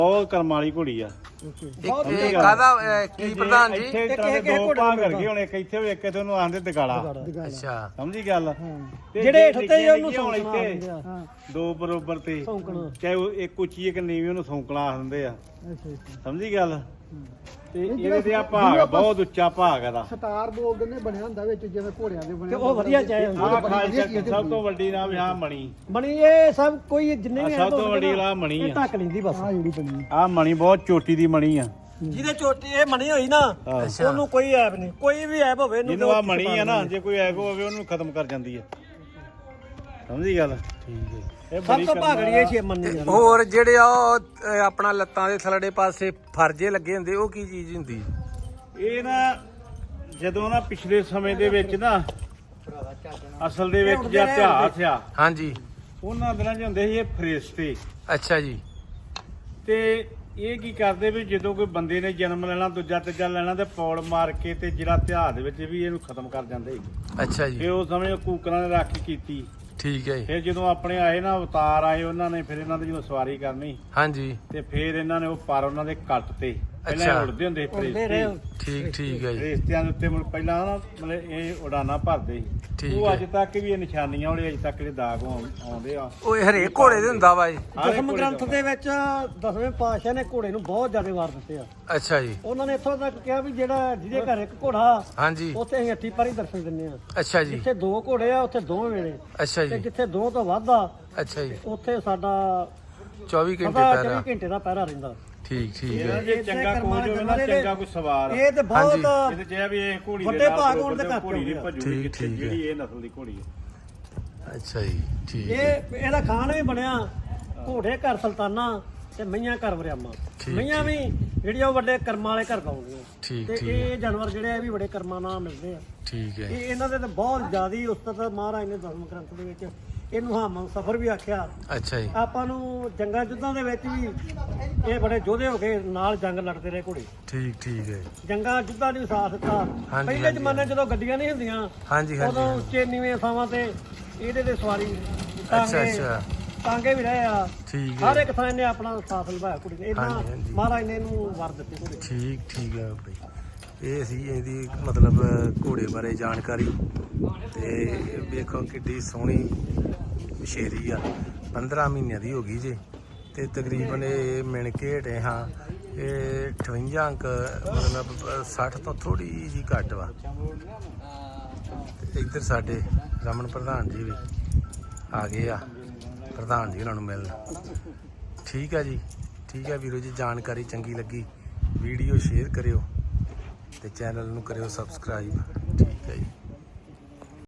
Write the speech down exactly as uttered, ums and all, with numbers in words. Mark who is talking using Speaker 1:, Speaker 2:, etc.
Speaker 1: ਬਹੁਤ ਕਰਮ ਵਾਲੀ ਘੋੜੀ ਆ।
Speaker 2: ਇਹ ਕਾਹਦਾ ਕੀ ਪ੍ਰਧਾਨ ਜੀ?
Speaker 1: ਇੱਥੇ ਦੋ ਭਾਗ ਕਰਕੇ ਹੁਣ ਇੱਕ ਇੱਥੇ ਇੱਕ ਇੱਥੇ ਉਹਨੂੰ ਆਂਦੇ ਦਗਾਲਾ।
Speaker 2: ਅੱਛਾ
Speaker 1: ਸਮਝੀ ਗੱਲ?
Speaker 3: ਜਿਹੜੇ ਇੱਥੇ ਉਹਨੂੰ
Speaker 1: ਹੁਣ ਇੱਥੇ ਦੋ ਬਰੋਬਰ ਤੇ ਚਾਹੇ ਉਹ ਇੱਕ ਉੱਚੀ ਇੱਕ ਨੀਵੀਂ ਉਹਨੂੰ ਸੌਂਕਣਾ ਆਖਦੇ ਆ। ਸਮਝੀ ਗੱਲ? ਤੇ ਇਹਦੇ ਤੇ ਆ ਭਾਗ ਬਹੁਤ ਉੱਚਾ ਭਾਗ ਇਹਦਾ।
Speaker 4: ਸਟਾਰ ਬੋਲਦੇ ਨੇ ਬਣਿਆ ਹੁੰਦਾ ਵਿੱਚ ਜਿਵੇਂ ਘੋੜਿਆਂ ਦੇ ਬਣੇ।
Speaker 3: ਉਹ ਵਧੀਆ ਚਾਹੇ
Speaker 1: ਆ ਖਾਲਸਾ ਸਭ ਤੋਂ ਵੱਡੀ ਨਾਮ ਆ ਮਣੀ।
Speaker 3: ਮਣੀ ਇਹ ਸਭ ਕੋਈ ਜਿੰਨੇ ਵੀ
Speaker 1: ਸਭ ਤੋਂ ਵੱਡੀ ਲਾ ਮਣੀ ਆ।
Speaker 3: ਢੱਕ ਲੈਂਦੀ ਬਸ ਆ ਜਿਹੜੀ ਬਣੀ
Speaker 1: ਆ ਮਣੀ ਬਹੁਤ ਚੋਟੀ ਦੀ ਮਣੀ ਆ।
Speaker 3: ਜਿਹਦੇ ਚੋਟੀ ਇਹ ਮਣੀ ਹੋਈ ਨਾ ਉਹਨੂੰ ਕੋਈ ਐਬ ਨਹੀਂ, ਕੋਈ ਵੀ ਐਬ ਹੋਵੇ
Speaker 1: ਜਿਹਨੂੰ ਆ ਮਣੀ ਆ ਨਾ, ਜੇ ਕੋਈ ਐਬ ਹੋਵੇ ਉਹਨੂੰ ਖਤਮ ਕਰ ਜਾਂਦੀ ਹੈ। ਸਮਝੀ ਗੱਲ? ਠੀਕ ਹੈ।
Speaker 3: ਸਭ ਤੋਂ ਭਾਗੜੀ ਇਹ ਛੇ ਮੰਨੀ ਆ।
Speaker 2: ਹੋਰ ਜਿਹੜੇ ਆ ਉਹ ਆਪਣਾ ਲੱਤਾਂ ਦੇ ਥੱਲੜੇ ਪਾਸੇ ਫਰਜੇ ਲੱਗੇ ਹੁੰਦੇ, ਉਹ ਕੀ ਚੀਜ਼ ਹੁੰਦੀ?
Speaker 1: ਇਹ ਨਾ ਜਦੋਂ ਨਾ ਪਿਛਲੇ ਸਮੇਂ ਦੇ ਵਿੱਚ ਨਾ ਅਸਲ ਦੇ ਵਿੱਚ ਜਾਂ ਇਤਿਹਾਸ ਆ,
Speaker 2: ਹਾਂਜੀ,
Speaker 1: ਉਹਨਾਂ ਦਿਨਾਂ 'ਚ ਹੁੰਦੇ ਸੀ ਇਹ ਫਰਿਸ਼ਤੇ।
Speaker 2: ਅੱਛਾ ਜੀ।
Speaker 1: ਤੇ ਇਹ ਕੀ ਕਰਦੇ ਵੀ ਜਦੋਂ ਕੋਈ ਬੰਦੇ ਨੇ ਜਨਮ ਲੈਣਾ, ਦੂਜਾ ਤੀਜਾ ਲੈਣਾ, ਤੇ ਪੌੜ ਮਾਰ ਕੇ ਤੇ ਜਿਹੜਾ ਇਤਿਹਾਸ ਦੇ ਵਿੱਚ ਵੀ ਇਹਨੂੰ ਖਤਮ ਕਰ ਜਾਂਦੇ ਸੀ।
Speaker 2: ਅੱਛਾ ਜੀ।
Speaker 1: ਤੇ ਉਸ ਸਮੇਂ ਕੂਕਰਾਂ ਨੇ ਰਾਖੀ ਕੀਤੀ।
Speaker 2: ਠੀਕ ਹੈ ਜੀ।
Speaker 1: ਫਿਰ ਜਦੋਂ ਆਪਣੇ ਆਏ ਨਾ ਅਵਤਾਰ ਆਏ ਉਹਨਾਂ ਨੇ, ਫਿਰ ਇਹਨਾਂ ਦੀ ਜਦੋਂ ਸਵਾਰੀ ਕਰਨੀ,
Speaker 2: ਹਾਂਜੀ,
Speaker 1: ਤੇ ਫਿਰ ਇਹਨਾਂ ਨੇ ਉਹ ਪਰ ਉਹਨਾਂ ਦੇ ਕੱਟ ਤੇ ਪਹਿਲਾਂ ਉੜਦੇ ਹੁੰਦੇ ਫਰਿਸ਼ਤੇ।
Speaker 2: ਠੀਕ ਠੀਕ ਹੈ ਜੀ।
Speaker 1: ਫਰਿਸ਼ਤਿਆਂ ਦੇ ਉੱਤੇ ਮੁੜ ਪਹਿਲਾਂ ਨਾ ਮਤਲਬ ਇਹ ਉਡਾਨਾ ਭਰਦੇ ਸੀ। ਉਹ ਅੱਜ ਤੱਕ ਵੀ ਇਹ ਨਿਸ਼ਾਨੀਆਂ ਵਾਲੇ ਅਜੇ ਤੱਕ ਜਿਹੜੇ ਦਾਗ ਆਉਂਦੇ ਆ।
Speaker 2: ਉਹ ਹਰੇਕ ਘੋੜੇ ਦੇ ਹੁੰਦਾ ਵਾ ਜੀ।
Speaker 3: ਦਸਮ ਗ੍ਰੰਥ ਦੇ ਵਿੱਚ ਦਸਵੇਂ ਪਾਤਸ਼ਾਹ ਨੇ ਘੋੜੇ ਨੂੰ ਬਹੁਤ ਜ਼ਿਆਦਾ ਵਾਰ ਦਿੱਤੇ ਆ।
Speaker 2: ਅੱਛਾ ਜੀ।
Speaker 3: ਉਹਨਾਂ ਨੇ ਇੱਥੋਂ ਤੱਕ ਕਿਹਾ ਵੀ ਜਿਹੜਾ ਜਿਹਦੇ ਘਰ ਇੱਕ ਘੋੜਾ,
Speaker 2: ਹਾਂਜੀ,
Speaker 3: ਉੱਥੇ ਅਸੀਂ ਅੱਠੀ ਪਾਰੀ ਦਰਸ਼ਨ ਦਿੰਦੇ ਆ।
Speaker 2: ਅੱਛਾ ਜੀ।
Speaker 3: ਜਿੱਥੇ ਦੋ ਘੋੜੇ ਆ ਉੱਥੇ ਦੋਵੇਂ ਵੇਲੇ,
Speaker 2: ਅੱਛਾ
Speaker 3: ਤੇ
Speaker 2: ਜੀ।
Speaker 3: ਜਿੱਥੇ ਦੋ ਤੋਂ ਵੱਧ ਆ
Speaker 2: ਅੱਛਾ ਜੀ।
Speaker 3: ਉੱਥੇ ਸਾਡਾ
Speaker 2: ਚੌਵੀ ਘੰਟੇ
Speaker 3: ਪਤਾ
Speaker 2: ਪਹਿਰਾ।
Speaker 3: ਚੌਵੀ ਘੰਟੇ ਦਾ ਪਹਿਰਾ ਰਹਿੰਦਾ।
Speaker 2: ਠੀਕ ਠੀਕ
Speaker 1: ਇਹਨਾਂ
Speaker 2: ਹੈ।
Speaker 1: ਜੇ ਚੰਗਾ ਕੋਚ ਹੋਵੇ ਨਾ, ਚੰਗਾ ਕੋਈ ਸਵਾਰ,
Speaker 3: ਇਹ ਤੇ ਬਹੁਤ
Speaker 1: ਇਹਦੇ ਚ ਇਹ ਵੀ ਇਹ ਘੋੜੀ ਦੇ
Speaker 3: ਵੱਡੇ
Speaker 1: ਨਾਲ
Speaker 3: ਭਾਗ ਹੋਣ ਦੇ
Speaker 1: ਘੋੜੀ
Speaker 3: ਕਰਕੇ
Speaker 1: ਦੀ
Speaker 3: ਹੋ
Speaker 1: ਭੱਜੂ
Speaker 2: ਠੀਕ,
Speaker 1: ਕਿੱਥੇ,
Speaker 2: ਠੀਕ ਹੈ।
Speaker 1: ਜਿਹੜੀ ਇਹ ਨਸਲ ਦੀ ਘੋੜੀ ਹੈ।
Speaker 2: ਅੱਛਾ ਜੀ। ਠੀਕ ਹੈ।
Speaker 3: ਇਹ ਇਹਦਾ ਖਾਨ ਵੀ ਬਣਿਆ ਘੋੜੇ ਘਰ ਸੁਲਤਾਨਾ ਤੇ ਮਈਆਂ ਘਰ ਵਰਿਆਮਾ।
Speaker 2: ਠੀਕ,
Speaker 3: ਮਈਆਂ ਵੀ ਜਿਹੜੀਆਂ ਉਹ ਵੱਡੇ ਕਰਮਾਂ ਵਾਲੇ ਘਰ ਪਾਉਂਦੀਆਂ।
Speaker 2: ਠੀਕ
Speaker 3: ਤੇ
Speaker 2: ਠੀਕ
Speaker 3: ਇਹ ਜਾਨਵਰ ਜਿਹੜੇ ਆ ਵੀ ਬੜੇ ਕਰਮਾਂ ਨਾਲ ਮਿਲਦੇ ਆ।
Speaker 2: ਠੀਕ ਹੈ।
Speaker 3: ਇਹ ਇਹਨਾਂ ਦੇ ਤਾਂ ਬਹੁਤ ਜ਼ਿਆਦੀ ਉਸਤਤ ਮਹਾਰਾਜ ਨੇ ਦਸਮ ਗ੍ਰੰਥ ਦੇ ਵਿੱਚ ਇਹਨੂੰ ਹਾਮਨ ਸਫਰ ਵੀ ਆਖਿਆ।
Speaker 2: ਅੱਛਾ ਜੀ।
Speaker 3: ਆਪਾਂ ਨੂੰ ਜੰਗਾਂ ਯੁੱਧਾਂ ਦੇ ਵਿੱਚ ਵੀ ਇਹ ਬੜੇ ਯੋਧੇ ਹੋ ਕੇ ਨਾਲ ਜੰਗ ਲੜਦੇ ਰਹੇ ਘੋੜੇ।
Speaker 2: ਠੀਕ ਠੀਕ ਹੈ।
Speaker 3: ਜੰਗਾਂ ਯੁੱਧਾਂ ਨੂੰ ਸਾਥ ਦਿੱਤਾ।
Speaker 2: ਹਾਂਜੀ,
Speaker 3: ਪਹਿਲੇ
Speaker 2: ਹਾਂਜੀ।
Speaker 3: ਜ਼ਮਾਨੇ ਜਦੋਂ ਗੱਡੀਆਂ ਨਹੀਂ ਹੁੰਦੀਆਂ,
Speaker 2: ਹਾਂਜੀ ਹਾਂਜੀ।
Speaker 3: ਉਦੋਂ ਉੱਚੇ ਨੀਵੇਂ ਥਾਵਾਂ ਤੇ ਇਹਦੇ ਤੇ ਸਵਾਰੀ
Speaker 2: ਅੱਛਾ
Speaker 3: ਟਾਂਗੇ
Speaker 2: ਅੱਛਾ।
Speaker 3: ਟਾਂਗੇ ਵੀ ਰਹੇ ਆ।
Speaker 2: ਠੀਕ
Speaker 3: ਹਰ
Speaker 2: ਹੈ।
Speaker 3: ਇੱਕ ਥਾਂ ਇਹਨੇ ਆਪਣਾ ਸਾਥ ਨਿਭਾਇਆ ਕੁੜੀ ਨੇ। ਇਹਨਾਂ
Speaker 2: ਹਾਂਜੀ, ਹਾਂਜੀ।
Speaker 3: ਮਹਾਰਾਜ ਨੇ ਇਹਨੂੰ ਵਰ ਦਿੱਤੇ ਘੋੜੇ।
Speaker 2: ਠੀਕ ਠੀਕ ਹੈ ਬਈ। ਇਹ ਸੀ ਇਹਦੀ ਮਤਲਬ ਘੋੜੇ ਬਾਰੇ ਜਾਣਕਾਰੀ। ਤੇ ਵੇਖੋ ਕਿੱਡੀ ਸੋਹਣੀ ਸ਼ੇਰੀ ਆ। ਪੰਦਰਾਂ ਮਹੀਨਿਆਂ ਦੀ ਹੋ ਗਈ ਜੇ, ਤੇ ਤਕਰੀਬਨ ਇਹ ਮਿਣ ਕੇ ਹਟੇ ਹਾਂ। ਇਹ ਅਠਵੰਜਾ ਅੰਕ ਮਤਲਬ ਸੱਠ ਤੋਂ ਥੋੜੀ ਜਿਹੀ ਘੱਟ ਵਾ। ਤੇ ਇੱਧਰ ਸਾਡੇ ਰਮਨ ਪ੍ਰਧਾਨ ਜੀ ਵੀ ਆ ਗਏ ਆ, ਪ੍ਰਧਾਨ ਜੀ ਉਹਨਾਂ ਨੂੰ ਮਿਲਣ। ਠੀਕ ਆ ਜੀ। ਠੀਕ ਆ ਵੀਰੋ ਜੀ, ਜਾਣਕਾਰੀ ਚੰਗੀ ਲੱਗੀ ਵੀਡੀਓ ਸ਼ੇਅਰ ਕਰਿਓ ਤੇ ਚੈਨਲ ਨੂੰ ਕਰਿਓ ਸਬਸਕ੍ਰਾਈਬ। ਠੀਕ ਹੈ ਜੀ।